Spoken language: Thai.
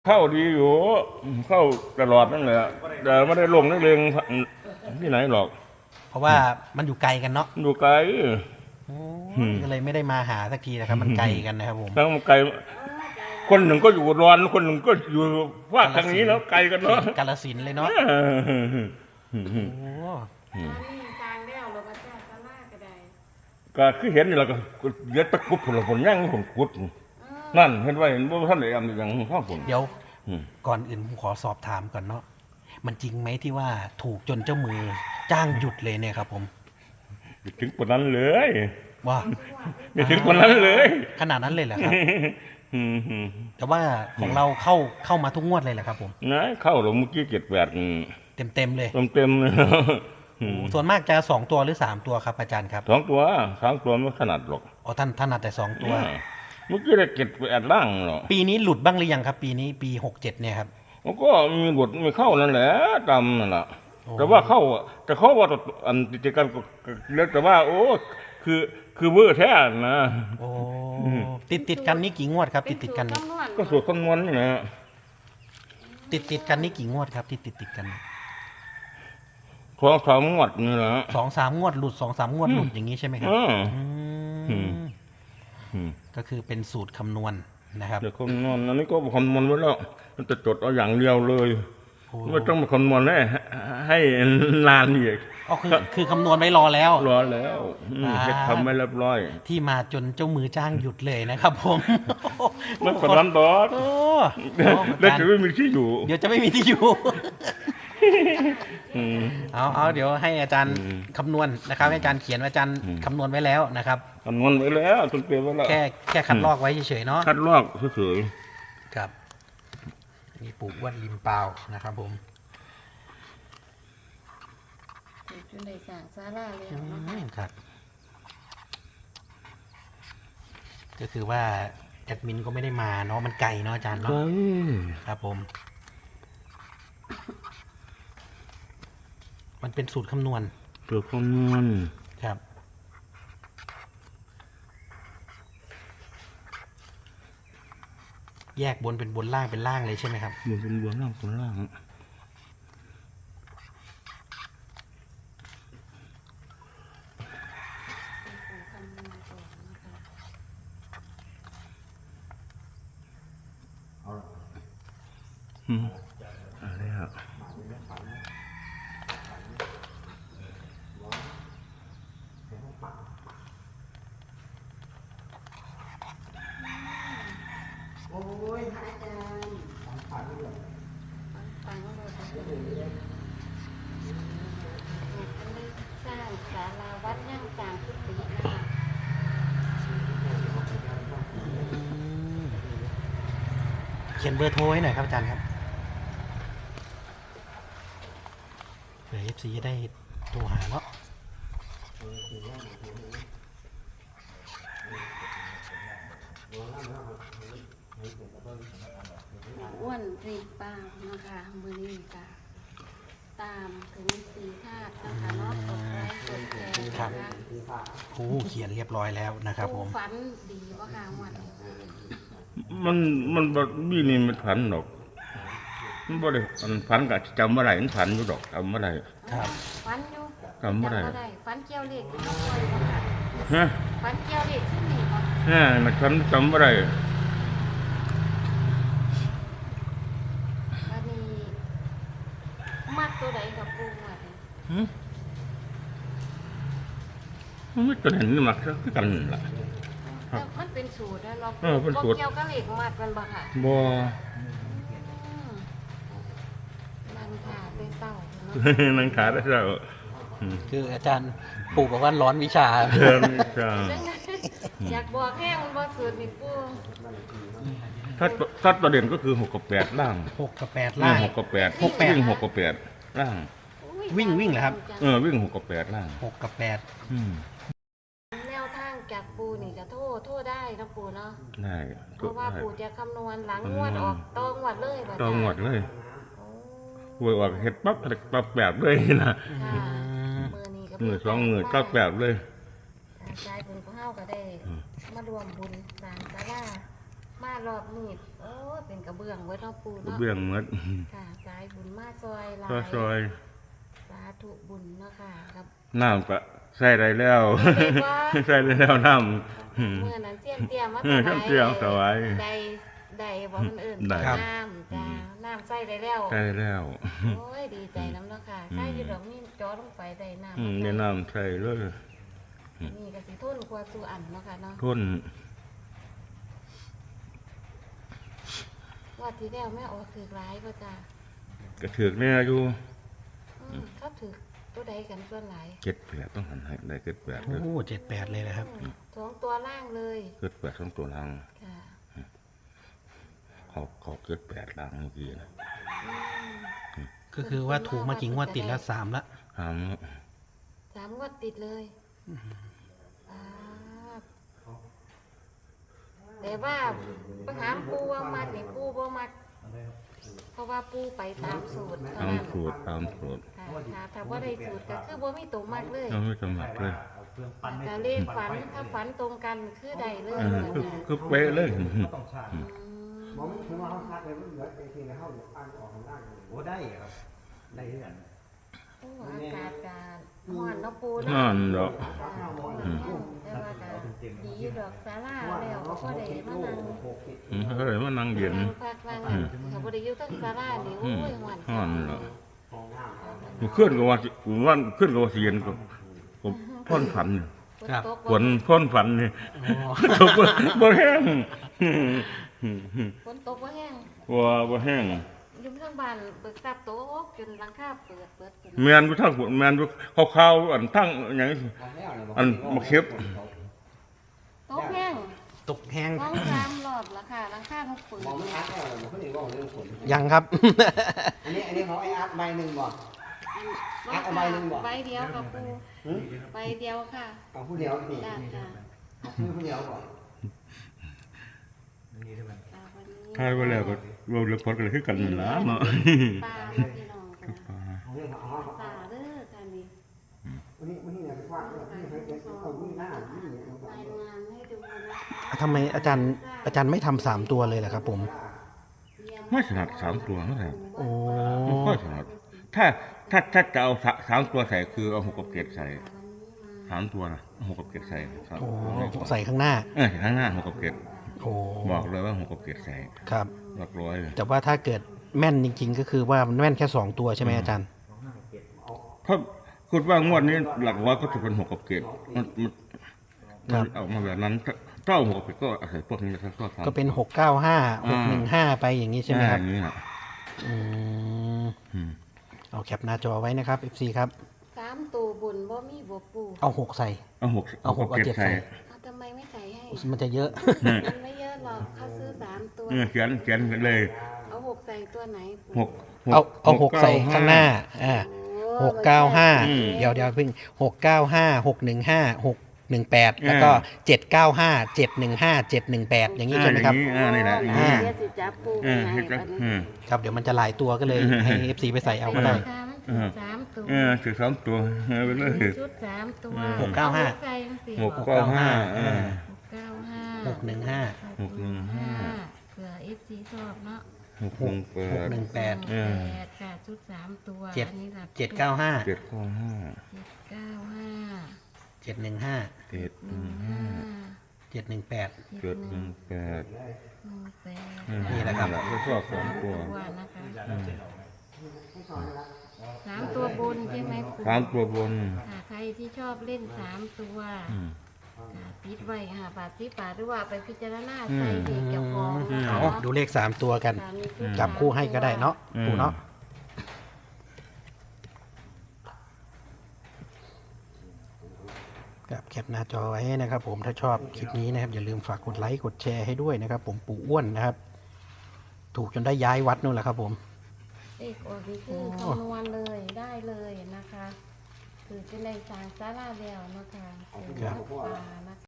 เข้าดีอยู่เข้าตลอดนั่นแหละแต่ไม่ได้ลงนักเลงที่ไหนหรอกเพราะว่ามันอยู่ไกลกันเนาะอยู่ไกลก็เลยไม่ได้มาหาสักทีนะครับ มันไกลกันนะครับผมทั้งไกลคนหนึ่งก็อยู่ร้อนคนหนึ่งก็อยู่ภาคทางนี้แล้วไกลกันเนาะกาฬสินธุ์เลยเนาะโอ้ทางแล้วเราก็จะสลากก็ได้ก็คือเห็นนี่เราก็เย็ดตะกุดผลผลย่างผลกุดนั่นเห็นว่าเห็นว่าท่านไหนอันอย่างข้าวผลเดี๋ยวก่อนอื่นผมขอสอบถามก่อนเนาะมันจริงไหมที่ว่าถูกจนเจ้ามือจ้างหยุดเลยเนี่ยครับผมถึงปนนั้นเลยว่าไม่ถึงปนนั้นเลยขนาดนั้นเลยเหรอครับแต่ว่าของเราเข้ามาทุกงวดเลยแหละครับผมนะเข้าหลงเมื่อกี้เต็มเลยเต็มเลยส่วนมากจะ2 ตัวหรือ3 ตัวครับอาจารย์ครับ 2 ตัว3 ตัวไม่ขนาดหรอกอ๋อท่านถนัดแต่2 ตัวเมื่อกี้ได้7 ล่างหรอปีนี้หลุดบ้างหรือยังครับปีนี้ปี67เนี่ยครับมันก็มีหลุดมีเข้านั่นแหละตามนั่นแหละแต่ว่าเข้าแต่เขาว่าอันติดกันเรียกแต่ว่าโอ้คือเวอร์แท้นะโอ้ติดกันนี่กี่งวดครับติดกันนี่ก็สูตรคำนวณนี่นะติดกันนี่กี่งวดครับที่ติดกัน 2-3 งวดนี่นะ 2-3 งวดหลุด2-3 งวดหลุดอย่างนี้ใช่ไหมครับก็คือเป็นสูตรคำนวณนะครับเดี๋ยวคำนวณอันนี้ก็คำนวณไว้แล้วมันจะจดเอาอย่างเดียวเลยไม่ต้องมาคำนวณให้นานอีกอ๋อคือคำนวณไว้รอแล้วทำไม่เรียบร้อยที่มาจนเจ้ามือจ้างหยุดเลยนะครับผมมันคนนั้นดอกแล้วจะไม่มีที่อยู่เดี๋ยวจะไม่มีที่อยู่เอาเดี๋ยวให้อาจารย์คำนวณนะครับให้อาจารย์เขียนว่าอาจารย์คำนวณไว้แล้วนะครับคำนวณไว้แล้วจนเปลี่ยนไว้แล้วแค่คัดลอกไว้เฉยๆเนาะคัดลอกเฉยๆครับนี่ปลูกวัดริมเปล่านะครับผมจนได้สร้างศาลาแล้วครับก็คือว่าแอดมินก็ไม่ได้มาเนาะมันไกลเนาะอาจารย์เนาะครับผมมันเป็นสูตรคำนวณครับแยกบนเป็นบนล่างเป็นล่างเลยใช่ไหมครับบนเป็นบนล่างเป็นล่างอะไรครับโอ้ยพระอาจารย์ฟังเลยสร้างศาลาวัดย่างกลางพุทธินะคะเขียนเบอร์โทรให้หน่อยครับอาจารย์ครับเผื่อ FC จะได้โทรหาเนาะอ้วนรีบป้านะคะมือนี้ค่ะตามถึง4 ธาตุนะคะเนาะกดไลค์กดแชร์นะคะเขียนเรียบร้อยแล้วนะครับผมฝันดีป่ะคะวันมันแบบนี่มันผันหรอกมันบ่ได้ผันกับจำเมื่อไหร่มันผันอยู่ดอกจำเมื่อไหร่ครับฝันอยู่จำเมื่อไหร่ฝันเกี่ยวเลขที่ต้องคอยป่ะค่ะฝันเกี่ยวเลขที่นี่ป่ะมันผันจำเมื่อไหร่วันนี้มัดตัวใดกับปูมัดมันไม่ตัวเห็นนี่มักคือกันล่ะมันเป็นสูตรนะเราเป็นสูตรเกี่ยวกับเหล็กมัดมันบ่ค่ะบ่นั่งขาได้เศร้านั่งขาได้เศร้าคืออาจารย์ปู่บอกว่าร้อนวิชาอยากบอกแห้งมันบ่สูตรนี่ปูถ้าตัวเด่นก็คือ6 กับ 8ล่าง 6 กับ 8ล่าง 6 กับ 8วิ่ง6 กับ 8ล่างวิ่งเหรอครับวิ่ง6 กับ 8ล่าง 6 กับ 8 แนวทางจากปูนี่จะโทษได้นะปูเนาะได้เพราะว่าปูจะคำนวณหลังงวดออกตองวดเลยตองวดเลยหวยออกเห็ดปั๊บแบบเลยนะมือ2 มือแบบเลยใจบุญของเฮาก็ได้มารวมบุญสร้างศาลามารอบนี้โอ้ยเป็นกระเบื้องไว้เนาะปูเนาะเบื้องหมดค่ะสายบุญมาซอยหลาก็ซอยสาธุบุญเนาะค่ะครับน้ำก็ใส่ได้แล้วได้บ่ใส่ได้แล้วน้ำเมื่อนั้นเสี้ยนเตรียมมาเสี้ยนเตรียมถวายได้บ่มันเอิ่นได้น้ำจ้าน้ำใส่ได้แล้วใส่แล้วโอ้ยดีใจน้ำเนาะค่ะใช่อยู่ดอกนี่จอลงไปได้น้ำในน้ำใส่เลยนี่ก็สิทนกว่าสู่อันเนาะค่ะเนาะทนว่าที่แล้วแม่โอ้ถือร้ายป่ะจ้ากระเถือกเนี่ยอยู่เขาถือตัวใดกันส่วนหลาย 78ต้องหันให้ได้78 โอ้78เลยนะครับสองตัวล่างเลย 78ทั้งตัวลังค่ะเขา78ลังเมื่อกี้นะก็คือว่าถูกมากี่งวดติดแล้ว3ละถาม 3 งวดติดเลยแต่ว่าปัญหาปูว่ามัดนี่ปูบ่มัดเพราะว่าปูไปตามสูตรเท่าตามนั้นสูตรตามสูตรค่ะถ้าว่าได้สูตรก็คือบ่มีตัวมัดเลยเราไม่สมัครเลยแต่เลขฝันถ้าฝันตรงกันคือใดเลยคือเป๊ะเลยมองไม่ถึงว่าเขาคัดเลยมันเหลือจริงๆแล้วเขาอ่านออกข้างล่างเลยโอ้ได้ครับได้ที่กันโอ้อากาศการฮ้อนเนาะปูนั่เนาะนดอกแต่ว่าก็ดีอยู่ดอกศาลาแล้วก็บ่ได้มานั่งเขาเลยมานั่งเย็นนั่งพักนั่งอันเขาบ่ได้อยู่ทั้งศาลานี่โอ้ยฮ้อนฮ้อนเหรอ มันขึ้นกับว่าขึ้นกับว่าเสียนกับพ่นฝันฝนตกฝนพ่นฝันนี่ตกบ่แห้งฝนตกบ่แห้งบ่แห้งอยู่ทางบ้านเบิกทรัพย์ตกจนหลังคาเปิดจนแมนอยู่ทั้งแมนอยู่ขาวๆอันทั้งอย่างนี้อันมาเข็บตกแห้งตกแห้ง 2-3รอบแล้วค่ะหลังคาต้องเปิดมองไม่ชัดแล้วเหรอเขาเรียกว่าเรื่องผลยังครับอันนี้ของไอ้อาร์ตใบหนึ่งบ่ เอาใบหนึ่งบ่ใบเดียวกับปูใบเดียวค่ะเอาผู้เดียวนี่จ้าจ้าเอาผู้เดียวก่อนวันนี้ทายว่าแล้วก็เราเลือกพอดกันคือกันนั่นล่ะเนาะปลาแล้วพี่น้องกันนะเอาเรื่องเอาสาเด้อค่ะนี่วันนี้เนี่ยไปคว้าเนี่ยที่ให้เอาวิ่งหน้าวิ่งเนี่ยรายงานให้ดูนะคะทำไมอาจารย์ไม่ทำ3ตัวเลยล่ะครับผมไม่ถนัด3ตัวนั่นแหละโอ้ไม่ค่อยถนัดถ้าจะเอา3ตัวใส่คือเอา6กับ7ใส่3ตัวนะ6กับ7ใส่ครับโอ้ใส่ข้างหน้าข้างหน้า6กับ7 โอ้บอกเลยว่า6กับ7ใส่ครับหลักร้อยเลยแต่ว่าถ้าเกิดแม่นจริงๆ ก็คือว่ามันแม่นแค่2ตัวใช่ไหมอาจารย์เพราะคุณว่างวดนี้หลักร้อยก็จะเป็น6กับ7มันเอามาแบบนั้นถ้าเอา6กับ7ก็อาศัยพวกนี้นะครับก็ทำก็เป็น695 615ไปอย่างนี้ใช่ไหมครับอย่างนี้นะอืมอืมเอาแคปหน้าจอไว้นะครับ FC ครับ 3ตัวบุญบ่มีบ่ปูเอา6ใส่เอาหกเอาหกกับเอาเจ็เจ็ดดใส่ใส่เอาทำไมไม่ใส่ให้มันจะเยอะมันไม่เยอะหรอกเขาซื้อ3ตัวเขียนเลยเอา6ใส่ตัวไหนปูหกเอา6ใส่ข้างหน้าโอ้ 695เดี๋ยวเพิ่ง695 615 618แล้วก็795 715 718อย่างนี้ใช่ไหมครับนี่แหละเดี๋ยวสิจับปูให้เฮ็ดบัดนี้ครับเดี๋ยวมันจะหลายตัวก็เลยให้ FC ไปใส่เอาก็ได้ค่ะมันถึง3ตัวถือ3ตัวไปเลยชุด3ตัว 695 ใส่จังซี่ 695 695 615 เผื่อ FC ชอบเนาะ 618 8ค่ะชุด3ตัวเจ็ดอันนี้หลัก 795 795 715 715 718 718 นี่แหละครับก็ชอบ2ตัวนะคะ3ตัวบนใช่ไหมปู่ 3ตัวบนค่ะใครที่ชอบเล่น3ตัวค่ะติดไว้ค่ะบาท10 บาทหรือว่าไปพิจารณาใส่เด็กเกี่ยวของเอาดูเลข3ตัวกันค่ะมีชุดจับคู่ให้ก็ได้เนาะปู่เนาะครับแคปหน้าจอไว้นะครับผมถ้าชอบคลิปนี้นะครับอย่าลืมฝากกดไลค์กดแชร์ให้ด้วยนะครับผมปู่อ้วนนะครับ ถูกจนได้ย้ายวัดนู่นแหละครับผมเลขออกนี่คือคำนวณเลยได้เลยนะคะ คือจะได้สร้างศาลาแล้วนะคะเป็นวัดป่านะคะ